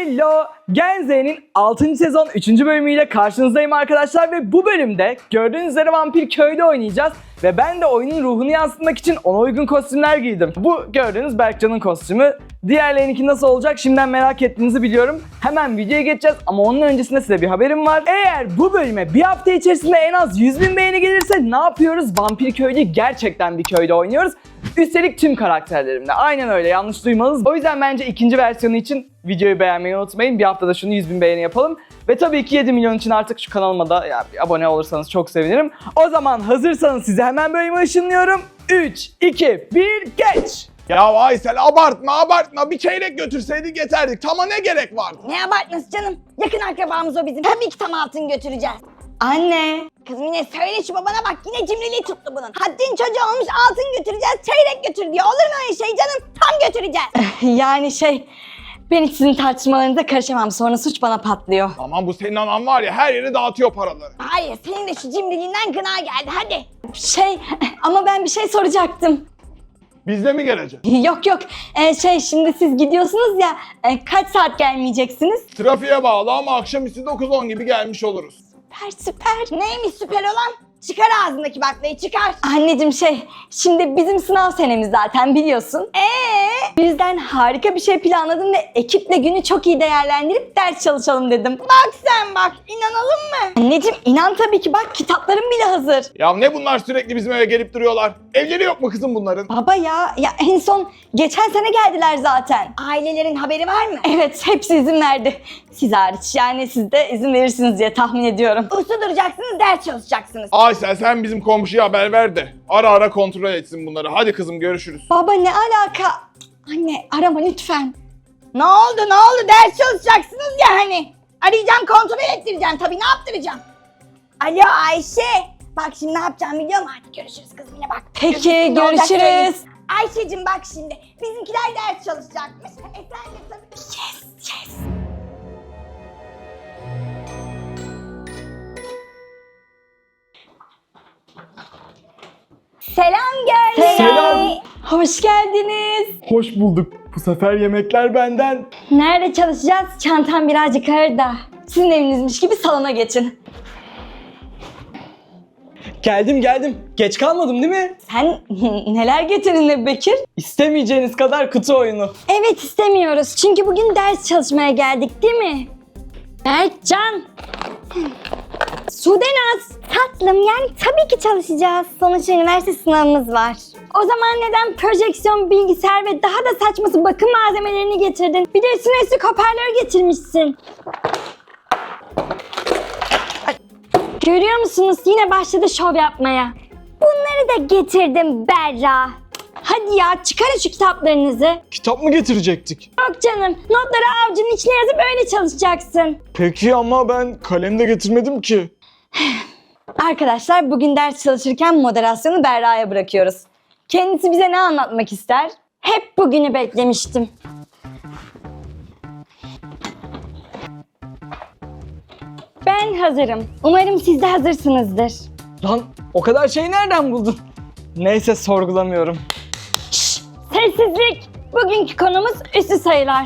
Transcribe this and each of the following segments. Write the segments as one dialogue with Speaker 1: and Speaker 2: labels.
Speaker 1: Hello! Gen Z'nin 6. sezon 3. bölümüyle karşınızdayım arkadaşlar ve bu bölümde gördüğünüz üzere vampir köylü oynayacağız ve ben de oyunun ruhunu yansıtmak için ona uygun kostümler giydim. Bu gördüğünüz Berkcan'ın kostümü. Diğerlerinki nasıl olacak şimdiden merak ettiğinizi biliyorum. Hemen videoya geçeceğiz ama onun öncesinde size bir haberim var. Eğer bu bölüme bir hafta içerisinde en az 100.000 beğeni gelirse ne yapıyoruz? Vampir köylü gerçekten bir köyde oynuyoruz. Üstelik tüm karakterlerimle. Aynen öyle, yanlış duymadınız. O yüzden bence ikinci versiyonu için videoyu beğenmeyi unutmayın. Bir haftada şunu 100.000 beğeni yapalım. Ve tabii ki 7 milyon için artık şu kanalıma da bir abone olursanız çok sevinirim. O zaman hazırsanız size hemen bölüme ışınlıyorum. 3, 2, 1, geç!
Speaker 2: Ya Aysel abartma bir çeyrek götürseydik yeterdik. Tama ne gerek vardı?
Speaker 3: Ne abartması canım? Yakın akrabamız o bizim. Tabii ki tam altın götüreceğiz.
Speaker 1: Anne!
Speaker 3: Kızım yine söyle şu babana bak, yine cimriliği tuttu bunun. Haddin çocuğu olmuş, altın götüreceğiz, çeyrek götür diyor. Olur mu öyle şey canım? Tam götüreceğiz.
Speaker 4: Yani ben hiç sizin tartışmalarınıza karışamam. Sonra suç bana patlıyor.
Speaker 2: Aman bu senin anan var ya, her yere dağıtıyor paraları.
Speaker 3: Hayır, senin de şu cimriliğinden gına geldi, hadi.
Speaker 4: Ama ben bir şey soracaktım.
Speaker 2: Bizle mi gelecek?
Speaker 4: Yok. Şimdi siz gidiyorsunuz ya. Kaç saat gelmeyeceksiniz?
Speaker 2: Trafiğe bağlı ama akşamüstü 9-10 gibi gelmiş oluruz.
Speaker 4: Süper.
Speaker 3: Neymiş süper olan? Çıkar ağzındaki baklayı, çıkar.
Speaker 4: Anneciğim şimdi bizim sınav senemiz zaten biliyorsun. Bu yüzden harika bir şey planladım ve ekiple günü çok iyi değerlendirip ders çalışalım dedim.
Speaker 3: Bak sen bak, inanalım mı?
Speaker 4: Anneciğim inan tabii ki, bak kitaplarım bile hazır.
Speaker 2: Ya ne bunlar sürekli bizim eve gelip duruyorlar? Evleri yok mu kızım bunların?
Speaker 4: Baba ya en son geçen sene geldiler zaten.
Speaker 3: Ailelerin haberi var mı?
Speaker 4: Evet, hepsi izin verdi. Siz hariç, yani siz de izin verirsiniz diye tahmin ediyorum.
Speaker 3: Uslu duracaksınız, ders çalışacaksınız.
Speaker 2: Aysel sen bizim komşuya haber ver de ara ara kontrol etsin bunları. Hadi kızım görüşürüz.
Speaker 4: Baba ne alaka? Anne arama lütfen.
Speaker 3: Ne oldu ders çalışacaksınız ya hani. Arayacağım, kontrol ettireceğim tabii, ne yaptıracağım? Alo Ayşe. Bak şimdi ne yapacağım biliyor musun? Hadi görüşürüz kızım, yine bak.
Speaker 4: Peki
Speaker 3: Ne olacak söyleyeyim.
Speaker 4: görüşürüz.
Speaker 3: Ayşe'cim bak şimdi, bizimkiler ders çalışacakmış. Sen de tabii. Yes. Selam Gönül.
Speaker 1: Selam.
Speaker 4: Hoş geldiniz.
Speaker 1: Hoş bulduk. Bu sefer yemekler benden.
Speaker 4: Nerede çalışacağız? Çantam birazcık ağır da. Sizin evinizmiş gibi salona geçin.
Speaker 1: Geldim. Geç kalmadım değil mi?
Speaker 4: Sen neler getirdin Ebu Bekir?
Speaker 1: İstemeyeceğiniz kadar kutu oyunu.
Speaker 4: Evet, istemiyoruz. Çünkü bugün ders çalışmaya geldik değil mi? Berkcan. Sudenaz.
Speaker 3: Tatlım, yani tabii ki çalışacağız. Sonuçta üniversite sınavımız var.
Speaker 4: O zaman neden projeksiyon, bilgisayar ve daha da saçması bakım malzemelerini getirdin? Bir de üstüne hoparlör getirmişsin. Görüyor musunuz? Yine başladı şov yapmaya.
Speaker 3: Bunları da getirdim Berra.
Speaker 4: Hadi ya, çıkarın şu kitaplarınızı.
Speaker 1: Kitap mı getirecektik?
Speaker 4: Yok canım, notları avucunun içine yazıp öyle çalışacaksın.
Speaker 1: Peki ama ben kalem de getirmedim ki.
Speaker 4: Arkadaşlar bugün ders çalışırken moderasyonu Berra'ya bırakıyoruz. Kendisi bize ne anlatmak ister? Hep bugünü beklemiştim. Ben hazırım. Umarım siz de hazırsınızdır.
Speaker 1: Lan o kadar şeyi nereden buldun? Neyse sorgulamıyorum.
Speaker 4: Şşş, sessizlik! Bugünkü konumuz üstü sayılar.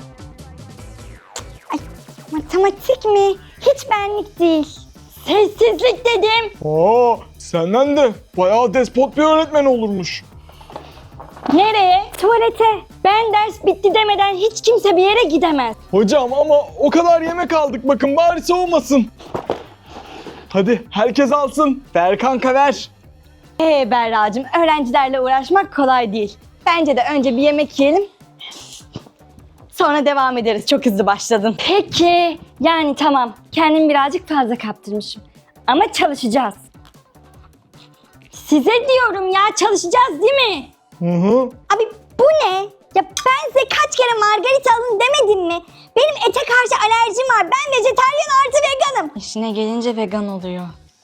Speaker 3: Matematik mi? Hiç benlik değil.
Speaker 4: Sessizlik dedim.
Speaker 1: Senden de bayağı despot bir öğretmen olurmuş.
Speaker 4: Nereye? Tuvalete. Ben ders bitti demeden hiç kimse bir yere gidemez.
Speaker 1: Hocam ama o kadar yemek aldık, bakın bari soğumasın. Hadi herkes alsın. Ver kanka ver.
Speaker 4: Berra'cığım, öğrencilerle uğraşmak kolay değil. Bence de önce bir yemek yiyelim. Sonra devam ederiz. Çok hızlı başladın. Peki. Yani tamam. Kendimi birazcık fazla kaptırmışım. Ama çalışacağız. Size diyorum ya, çalışacağız değil mi?
Speaker 1: Hı.
Speaker 3: Abi bu ne? Ya ben size kaç kere margarita alın demedim mi? Benim ete karşı alerjim var. Ben vejetaryen artı veganım.
Speaker 4: İşine gelince vegan oluyor.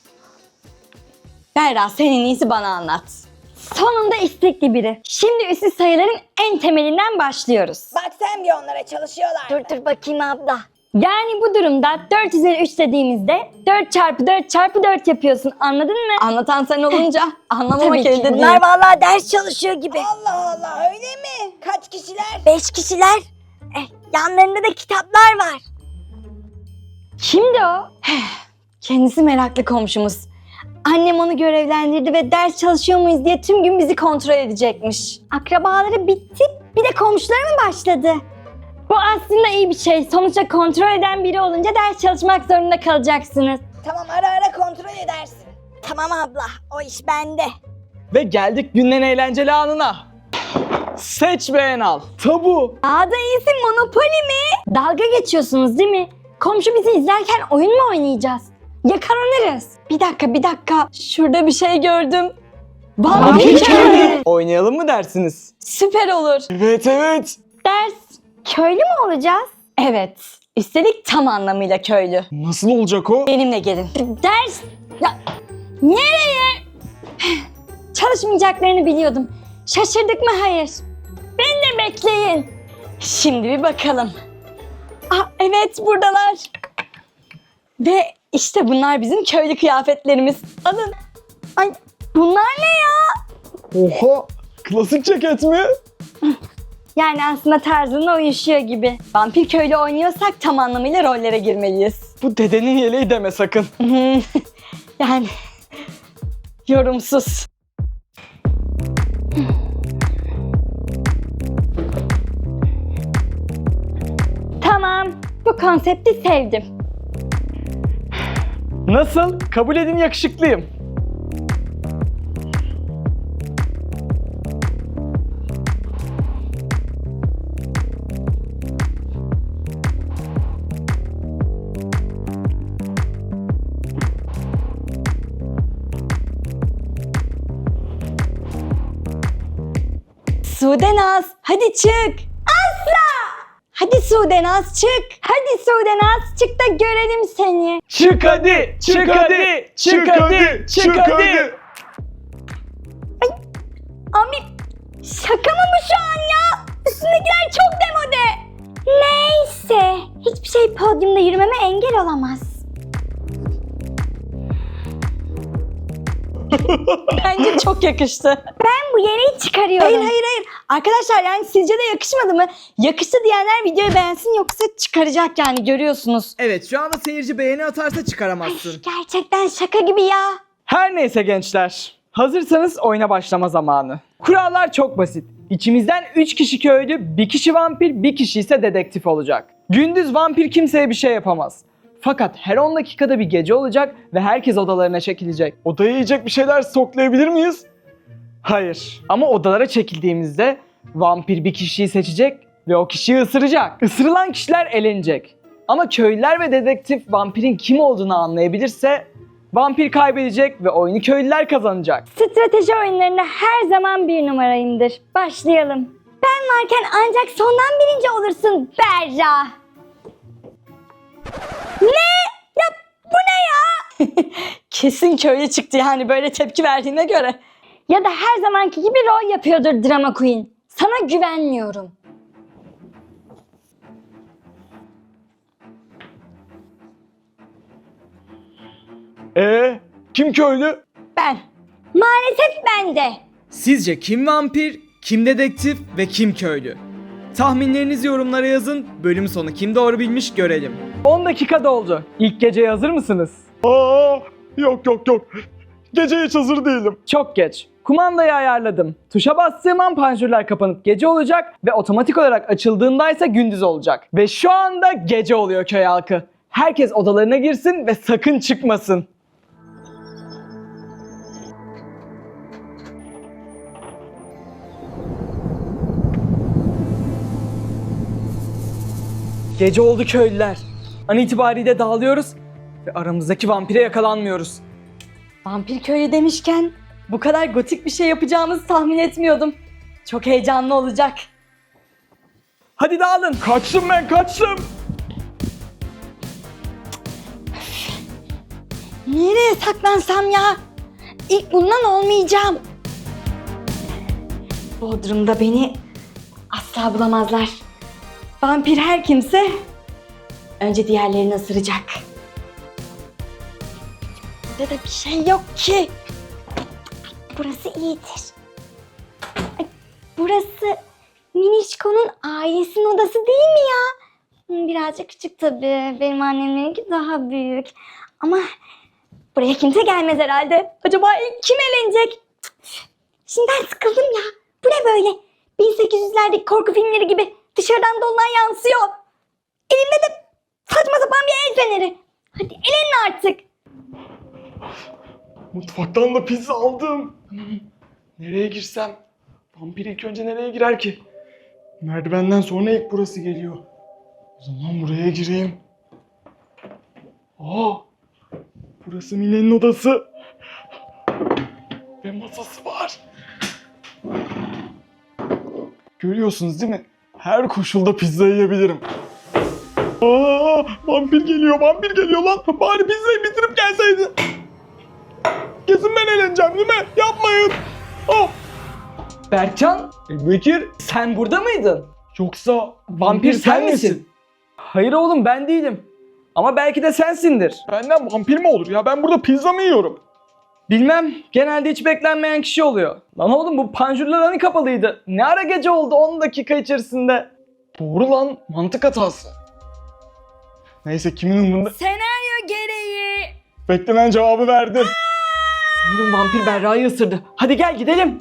Speaker 4: Berra, sen en iyisi bana anlat. Sonunda istekli biri. Şimdi üstü sayıların en temelinden başlıyoruz.
Speaker 3: Bak sen bir onlara, çalışıyorlar. Dur bakayım abla.
Speaker 4: Yani bu durumda 4 üzeri 3 dediğimizde 4 çarpı 4 çarpı 4 yapıyorsun. Anladın mı? Anlatan sen olunca anlamamak
Speaker 3: Tabii ki.
Speaker 4: elde değil.
Speaker 3: Bunlar vallahi ders çalışıyor gibi. Allah Allah, öyle mi? Kaç kişiler? 5 kişiler. Yanlarında da kitaplar var.
Speaker 4: Kimdi o? Kendisi meraklı komşumuz. Annem onu görevlendirdi ve ders çalışıyor muyuz diye tüm gün bizi kontrol edecekmiş. Akrabaları bitti, bir de komşuları mı başladı? Bu aslında iyi bir şey. Sonuçta kontrol eden biri olunca ders çalışmak zorunda kalacaksınız.
Speaker 3: Tamam, ara ara kontrol edersin. Tamam abla, o iş bende.
Speaker 1: Ve geldik günün en eğlenceli anına. Seç beğen al. Tabu.
Speaker 4: Daha da iyisi Monopoly mi? Dalga geçiyorsunuz değil mi? Komşu bizi izlerken oyun mu oynayacağız? Yakalanırız. Bir dakika. Şurada bir şey gördüm. Vampir köylü.
Speaker 1: Oynayalım mı dersiniz?
Speaker 4: Süper olur.
Speaker 1: Evet.
Speaker 4: Ders köylü mü olacağız? Evet. Üstelik tam anlamıyla köylü.
Speaker 1: Nasıl olacak o?
Speaker 4: Benimle gelin. Ders... Ya, nereye? Çalışmayacaklarını biliyordum. Şaşırdık mı? Hayır. Beni de bekleyin. Şimdi bir bakalım. Evet, buradalar. Ve işte bunlar bizim köylü kıyafetlerimiz. Alın. Ay, bunlar ne ya?
Speaker 1: Oha! Klasik ceket mi?
Speaker 4: Yani aslında tarzına uyuşuyor gibi. Vampir köylü oynuyorsak tam anlamıyla rollere girmeliyiz.
Speaker 1: Bu dedenin yeleği deme sakın.
Speaker 4: Yani yorumsuz. Tamam, bu konsepti sevdim.
Speaker 1: Nasıl? Kabul edin yakışıklıyım.
Speaker 4: Sudenaz, hadi çık. Asla! Hadi Sudenaz çık. Hadi Sudenaz çık da görelim seni.
Speaker 1: Çık hadi! Çık hadi! Çık hadi! Çık hadi!
Speaker 4: Abi şaka mı bu şu an ya? Üstündekiler çok demode. Neyse, hiçbir şey podyumda yürümeme engel olamaz. Bence çok yakıştı. Ben bu yeleği çıkarıyorum. Hayır. Arkadaşlar yani sizce de yakışmadı mı? Yakıştı diyenler videoyu beğensin yoksa çıkaracak yani görüyorsunuz.
Speaker 1: Evet, şu anda seyirci beğeni atarsa çıkaramazsın.
Speaker 4: Gerçekten şaka gibi ya.
Speaker 1: Her neyse gençler. Hazırsanız oyuna başlama zamanı. Kurallar çok basit. İçimizden 3 kişi köylü, 1 kişi vampir, 1 kişi ise dedektif olacak. Gündüz vampir kimseye bir şey yapamaz. Fakat her 10 dakikada bir gece olacak ve herkes odalarına çekilecek. Odaya yiyecek bir şeyler stoklayabilir miyiz? Hayır. Ama odalara çekildiğimizde vampir bir kişiyi seçecek ve o kişiyi ısıracak. Isırılan kişiler elenecek. Ama köylüler ve dedektif vampirin kim olduğunu anlayabilirse vampir kaybedecek ve oyunu köylüler kazanacak.
Speaker 4: Strateji oyunlarında her zaman bir numarayımdır. Başlayalım. Ben varken ancak sondan birinci olursun Berra. Ne? Ya bu ne ya? Kesin köylü çıktı yani böyle tepki verdiğine göre. Ya da her zamanki gibi rol yapıyordur Drama Queen. Sana güvenmiyorum.
Speaker 1: Kim köylü?
Speaker 4: Ben. Maalesef ben de.
Speaker 1: Sizce kim vampir, kim dedektif ve kim köylü? Tahminlerinizi yorumlara yazın. Bölüm sonu kim doğru bilmiş görelim. 10 dakika doldu. İlk geceye hazır mısınız?
Speaker 2: Yok. Gece hiç hazır değilim.
Speaker 1: Çok geç. Kumandayı ayarladım. Tuşa bastığım an panjurlar kapanıp gece olacak ve otomatik olarak açıldığında ise gündüz olacak. Ve şu anda gece oluyor köy halkı. Herkes odalarına girsin ve sakın çıkmasın. Gece oldu köylüler. An itibariyle dağılıyoruz ve aramızdaki vampire yakalanmıyoruz.
Speaker 4: Vampir köylü demişken bu kadar gotik bir şey yapacağımızı tahmin etmiyordum. Çok heyecanlı olacak.
Speaker 1: Hadi dağılın. Kaçtım.
Speaker 4: Nereye saklansam ya? İlk bundan olmayacağım. Bodrum'da beni asla bulamazlar. Vampir her kimse önce diğerlerini ısıracak. Burada da bir şey yok ki. Burası iyidir. Ay, burası Minişko'nun ailesinin odası değil mi ya? Birazcık küçük tabii. Benim annemlerinki daha büyük. Ama buraya kimse gelmez herhalde. Acaba ilk kim eğlenecek? Şimdiden sıkıldım ya. Bu ne böyle? 1800'lerdeki korku filmleri gibi dışarıdan dolunay yansıyor. Elimde de saçma sapan bir el feneri. Hadi elenin artık.
Speaker 1: Mutfaktan da pizza aldım. Nereye girsem? Vampir ilk önce nereye girer ki? Merdivenden sonra ilk burası geliyor. O zaman buraya gireyim. Aa! Burası Mine'nin odası. Ve masası var. Görüyorsunuz değil mi? Her koşulda pizza yiyebilirim. Aa! Vampir geliyor lan. Bari pizzayı bitirip gelseydi. Kesin ben eğleneceğim değil mi? Yapmayın. Oh. Berkcan, Bekir, sen burada mıydın? Yoksa vampir sen misin? Hayır oğlum, ben değilim. Ama belki de sensindir. Benden vampir mi olur ya? Ben burada pizza mı yiyorum? Bilmem. Genelde hiç beklenmeyen kişi oluyor. Lan oğlum, bu panjurlar hani kapalıydı? Ne ara gece oldu 10 dakika içerisinde? Doğru lan. Mantık hatası. Neyse, kimin umurunda?
Speaker 4: Senaryo gereği.
Speaker 1: Beklenen cevabı verdim. Sanırım vampir Berra'yı ısırdı. Hadi gel gidelim.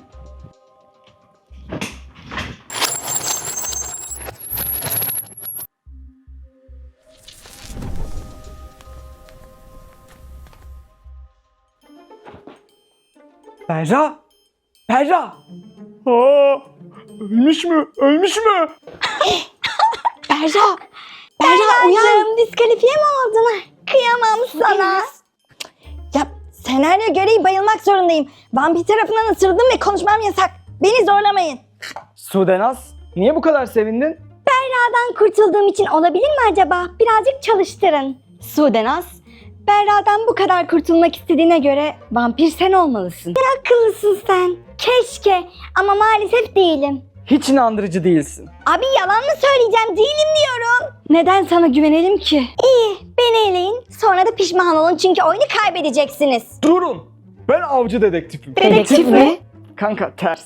Speaker 1: Berra! Berra! Aa, ölmüş mü? Ölmüş mü?
Speaker 4: Berra! Berra uyan! Diskalifiye mi oldun? Kıyamam sana. Ya senaryo gereği bayılmak zorundayım. Vampir tarafından ısırıldım ve konuşmam yasak. Beni zorlamayın.
Speaker 1: Sudenaz, niye bu kadar sevindin?
Speaker 4: Berra'dan kurtulduğum için olabilir mi acaba? Birazcık çalıştırın. Sudenaz, Berra'dan bu kadar kurtulmak istediğine göre vampir sen olmalısın. Ne akıllısın sen. Keşke ama maalesef değilim.
Speaker 1: Hiç inandırıcı değilsin.
Speaker 4: Abi yalan mı söyleyeceğim? Değilim diyorum. Neden sana güvenelim ki? İyi, beni eleyin. Sonra da pişman olun çünkü oyunu kaybedeceksiniz.
Speaker 1: Durun! Ben avcı dedektifim.
Speaker 4: Dedektif mi?
Speaker 1: Kanka ters.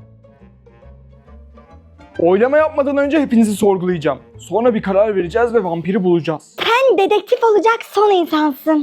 Speaker 1: Oylama yapmadan önce hepinizi sorgulayacağım. Sonra bir karar vereceğiz ve vampiri bulacağız.
Speaker 4: Sen dedektif olacak son insansın.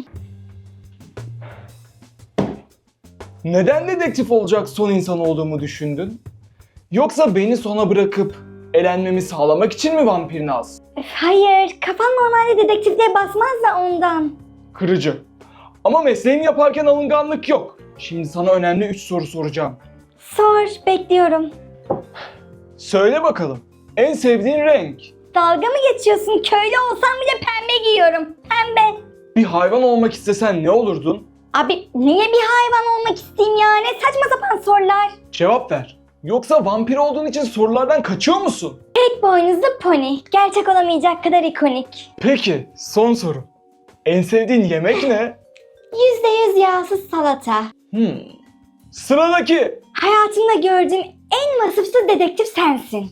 Speaker 1: Neden dedektif olacak son insan olduğumu düşündün? Yoksa beni sona bırakıp elenmemi sağlamak için mi vampir Naz?
Speaker 4: Hayır, kafan normalde dedektifliğe basmaz da ondan.
Speaker 1: Kırıcı. Ama mesleğini yaparken alınganlık yok. Şimdi sana önemli 3 soru soracağım.
Speaker 4: Sor, bekliyorum.
Speaker 1: Söyle bakalım. En sevdiğin renk?
Speaker 4: Dalga mı geçiyorsun? Köylü olsam bile pembe giyiyorum. Pembe.
Speaker 1: Bir hayvan olmak istesen ne olurdun?
Speaker 4: Abi niye bir hayvan olmak isteyeyim ya? Ne saçma sapan sorular.
Speaker 1: Cevap ver. Yoksa vampir olduğun için sorulardan kaçıyor musun?
Speaker 4: Tek boynuzlu pony. Gerçek olamayacak kadar ikonik.
Speaker 1: Peki, son soru. En sevdiğin yemek ne?
Speaker 4: %100 yağsız salata.
Speaker 1: Sıradaki.
Speaker 4: Hayatımda gördüğüm en vasıfsız dedektif sensin.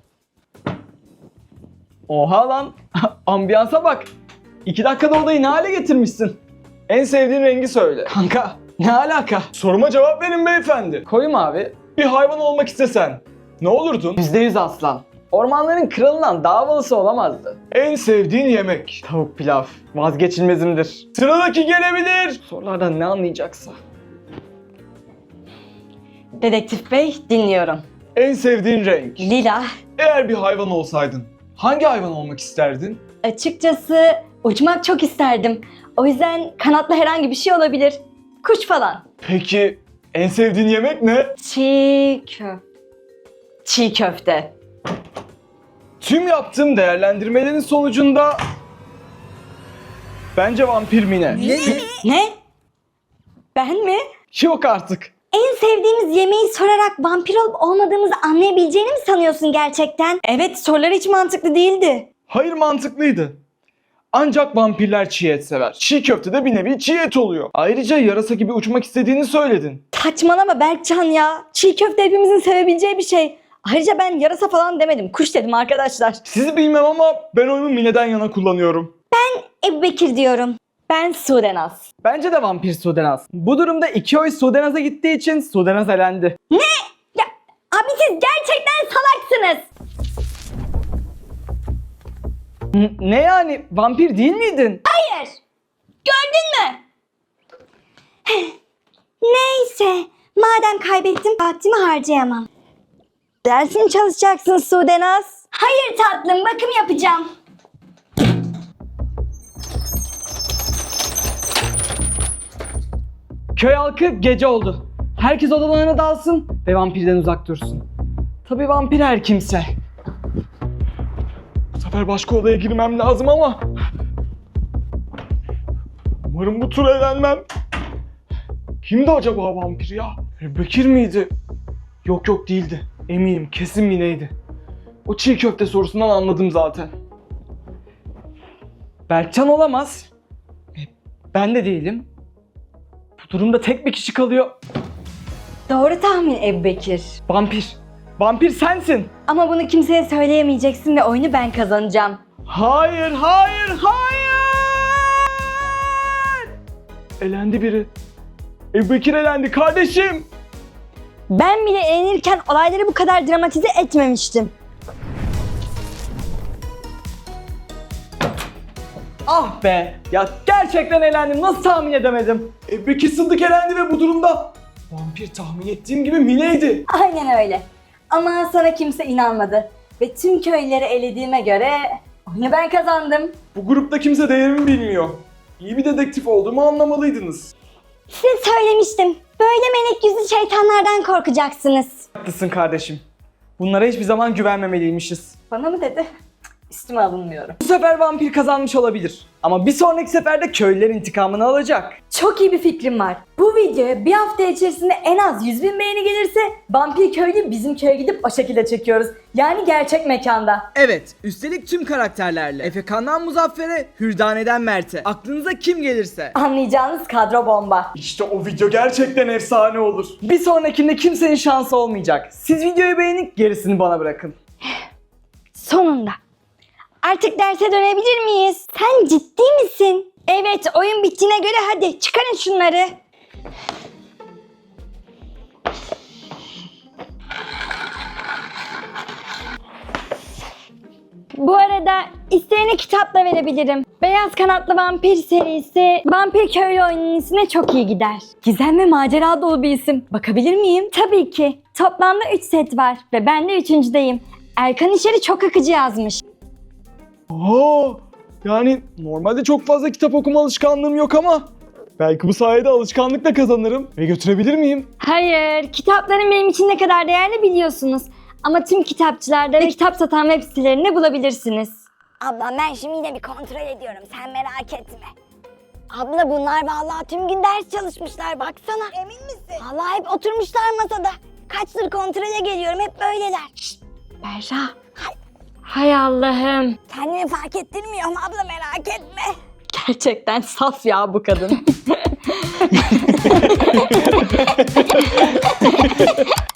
Speaker 1: Oha lan. Ambiyansa bak. 2 dakikada odayı ne hale getirmişsin? En sevdiğin rengi söyle. Kanka, ne alaka? Soruma cevap verin beyefendi. Koyum abi. Bir hayvan olmak istesen ne olurdun? %100 aslan. Ormanların kralından daha havalısı olamazdı. En sevdiğin yemek? Tavuk pilav. Vazgeçilmezimdir. Sıradaki gelebilir. Sorulardan ne anlayacaksa.
Speaker 4: Dedektif bey, dinliyorum.
Speaker 1: En sevdiğin renk?
Speaker 4: Lila.
Speaker 1: Eğer bir hayvan olsaydın hangi hayvan olmak isterdin?
Speaker 4: Açıkçası uçmak çok isterdim. O yüzden kanatlı herhangi bir şey olabilir. Kuş falan.
Speaker 1: Peki en sevdiğin yemek ne?
Speaker 4: Çiğ köfte.
Speaker 1: Tüm yaptığım değerlendirmelerin sonucunda bence vampir Mine.
Speaker 4: Ne? Ben mi?
Speaker 1: Yok artık.
Speaker 4: En sevdiğimiz yemeği sorarak vampir olup olmadığımızı anlayabileceğini mi sanıyorsun gerçekten? Evet, sorular hiç mantıklı değildi.
Speaker 1: Hayır, mantıklıydı. Ancak vampirler çiğ et sever. Çiğ köfte de bir nevi çiğ et oluyor. Ayrıca yarasa gibi uçmak istediğini söyledin.
Speaker 4: Saçmalama Berkcan ya. Çiğ köfte hepimizin sevebileceği bir şey. Ayrıca ben yarasa falan demedim. Kuş dedim arkadaşlar.
Speaker 1: Sizi bilmem ama ben oyumu Mine'den yana kullanıyorum.
Speaker 4: Ebu Bekir diyorum. Ben Sudenaz.
Speaker 1: Bence de vampir Sudenaz. Bu durumda 2 oy Sudenaz'a gittiği için Sudenaz elendi.
Speaker 4: Ya abi siz gerçekten salaksınız.
Speaker 1: Ne yani? Vampir değil miydin?
Speaker 4: Hayır. Gördün mü? Neyse. Madem kaybettim vaktimi harcayamam. Ders mi çalışacaksın Sudenaz? Hayır tatlım, bakım yapacağım.
Speaker 1: Köy halkı gece oldu. Herkes odalarına dalsın ve vampirden uzak dursun. Tabii vampir her kimse.
Speaker 2: Bu sefer başka odaya girmem lazım ama... Umarım bu tur eğlenmem. Kimdi acaba vampir ya? Bekir miydi? Yok değildi. Eminim kesin Mine'ydi. O çiğ köfte sorusundan anladım zaten.
Speaker 1: Berkcan olamaz. Ben de değilim. Bu durumda tek bir kişi kalıyor.
Speaker 4: Doğru tahmin Ebubekir.
Speaker 1: Vampir. Vampir sensin.
Speaker 4: Ama bunu kimseye söyleyemeyeceksin ve oyunu ben kazanacağım.
Speaker 1: Hayır.
Speaker 2: Elendi biri. Bekir elendi kardeşim.
Speaker 4: Ben bile eğlenirken olayları bu kadar dramatize etmemiştim.
Speaker 1: Ah be. Ya gerçekten eğlendim. Nasıl tahmin edemedim?
Speaker 2: Bekir Sıddık elendi ve bu durumda vampir tahmin ettiğim gibi Mine'ydi.
Speaker 4: Aynen öyle. Ama sana kimse inanmadı. Ve tüm köyleri elediğime göre oyunu ben kazandım.
Speaker 2: Bu grupta kimse değerimi bilmiyor. İyi bir dedektif olduğumu anlamalıydınız.
Speaker 4: Size söylemiştim. Böyle melek yüzlü şeytanlardan korkacaksınız.
Speaker 1: Haklısın kardeşim. Bunlara hiçbir zaman güvenmemeliymişiz.
Speaker 4: Bana mı dedi? Üstüme alınmıyorum.
Speaker 1: Bu sefer vampir kazanmış olabilir. Ama bir sonraki seferde köylüler intikamını alacak.
Speaker 4: Çok iyi bir fikrim var. Bu videoya bir hafta içerisinde en az 100.000 beğeni gelirse vampir köylü bizim köye gidip o şekilde çekiyoruz. Yani gerçek mekanda.
Speaker 1: Evet, üstelik tüm karakterlerle. Efekan'dan Muzaffer'e, Hürdane'den Mert'e. Aklınıza kim gelirse.
Speaker 4: Anlayacağınız kadro bomba.
Speaker 2: İşte o video gerçekten efsane olur.
Speaker 1: Bir sonrakinde kimsenin şansı olmayacak. Siz videoyu beğenip gerisini bana bırakın.
Speaker 4: Sonunda. Artık derse dönebilir miyiz? Sen ciddi misin? Evet, oyun bittiğine göre hadi çıkarın şunları. Bu arada isteyene kitap da verebilirim. Beyaz Kanatlı Vampir serisi Vampir Köylü oyunun ismine çok iyi gider. Gizem ve macera dolu bir isim. Bakabilir miyim? Tabii ki. Toplamda 3 set var ve ben de 3.'deyim. Erkan İşer'i çok akıcı yazmış.
Speaker 2: Yani normalde çok fazla kitap okuma alışkanlığım yok ama belki bu sayede alışkanlıkla kazanırım ve götürebilir miyim?
Speaker 4: Hayır, kitapların benim için ne kadar değerli biliyorsunuz. Ama tüm kitapçılarda ve kitap satan web sitelerinde bulabilirsiniz.
Speaker 3: Abla ben şimdi yine bir kontrol ediyorum. Sen merak etme. Abla bunlar vallahi tüm gün ders çalışmışlar baksana. Emin misin? Vallahi hep oturmuşlar masada. Kaçtır kontrole geliyorum hep böyleler. Şşt,
Speaker 4: Berra. Hay Allah'ım.
Speaker 3: kendimi fark ettirmiyorum abla merak etme.
Speaker 4: Gerçekten saf ya bu kadın.